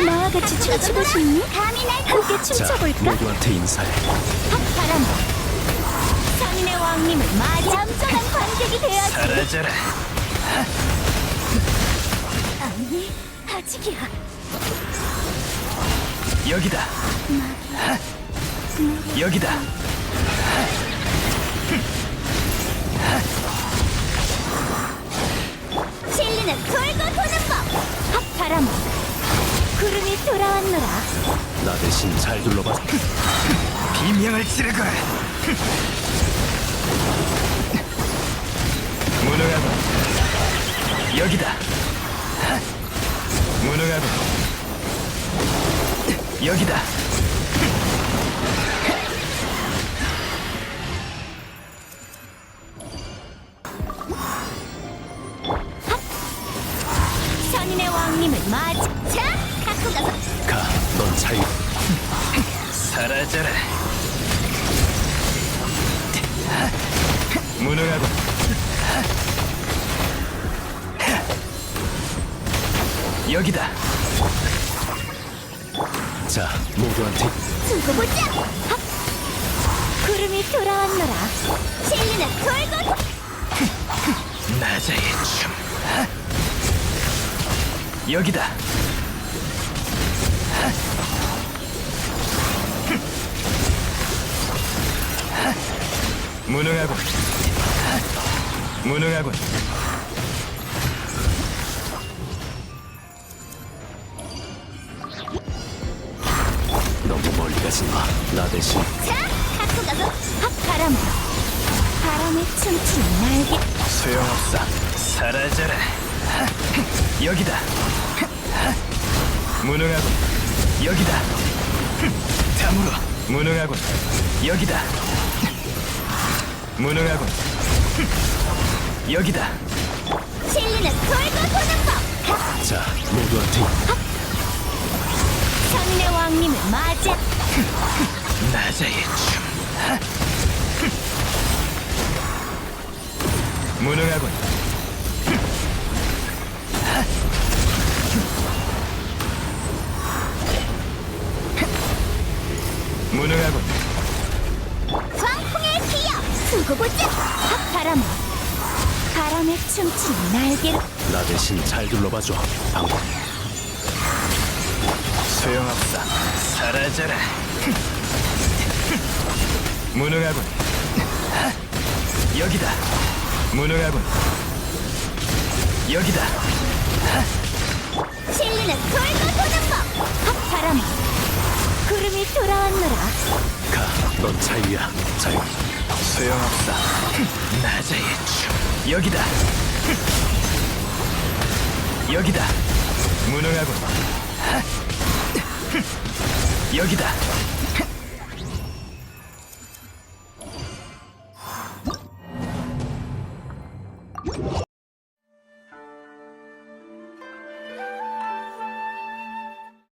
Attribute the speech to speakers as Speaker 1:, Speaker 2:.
Speaker 1: 나와 같이 춤추고 싶니? 감히 날 함께 춤춰볼까?
Speaker 2: 모두한테 인사해.
Speaker 1: 바람 성인의 왕님을 맞이 얌전한 관객이 되어야지.
Speaker 2: 사라져라.
Speaker 1: 아니 아직이야.
Speaker 2: 여기다. 여기다.
Speaker 1: 진리는 돌고 도는 법. 바람 구름이 돌아왔노라.
Speaker 2: 나 대신 잘 둘러봐. 비명을 지르고. 무능하군. 여기다. 무능하군. 여기다.
Speaker 1: 선인의 왕님을 맞이. 자, 갖고 가서.
Speaker 2: 가, 넌 자유. 사라져라. 무능하군. 여기다. 자, 모두한테
Speaker 1: 두고 보자. 구름이 돌아왔노라. 진리는 돌고.
Speaker 2: 나자의 춤. 여기다. 무능하군. 무능하군. 너무 멀리 가지 마. 나 대신
Speaker 1: 자, 갖고 가서. 바람 바람에 춤추는 날개.
Speaker 2: 소용없어. 사라져라. 여기다. 무능하군. 여기다. 다물어. 무능하군. 여기다. 무능하군. 여기다.
Speaker 1: 진리는 돌고 도는 법.
Speaker 2: 자, 모두한테
Speaker 1: 선인의 왕님을 맞이.
Speaker 2: 나자의 춤. 무능하군. 무능하군.
Speaker 1: 광풍의 기여. 두고 보자. 바람에 춤추는 날개로.
Speaker 2: 나 대신 잘 둘러봐줘. 방법. 소용없어. 사라져라. 무능하군. 여기다. 무능하군. 여기다.
Speaker 1: 진리는 돌고 도는 법. 바람 구름이 돌아왔노라.
Speaker 2: 가, 넌 자유야. 자유. 소용없어. 나자의 춤. 여기다. 여기다. 무능하군. 여기다.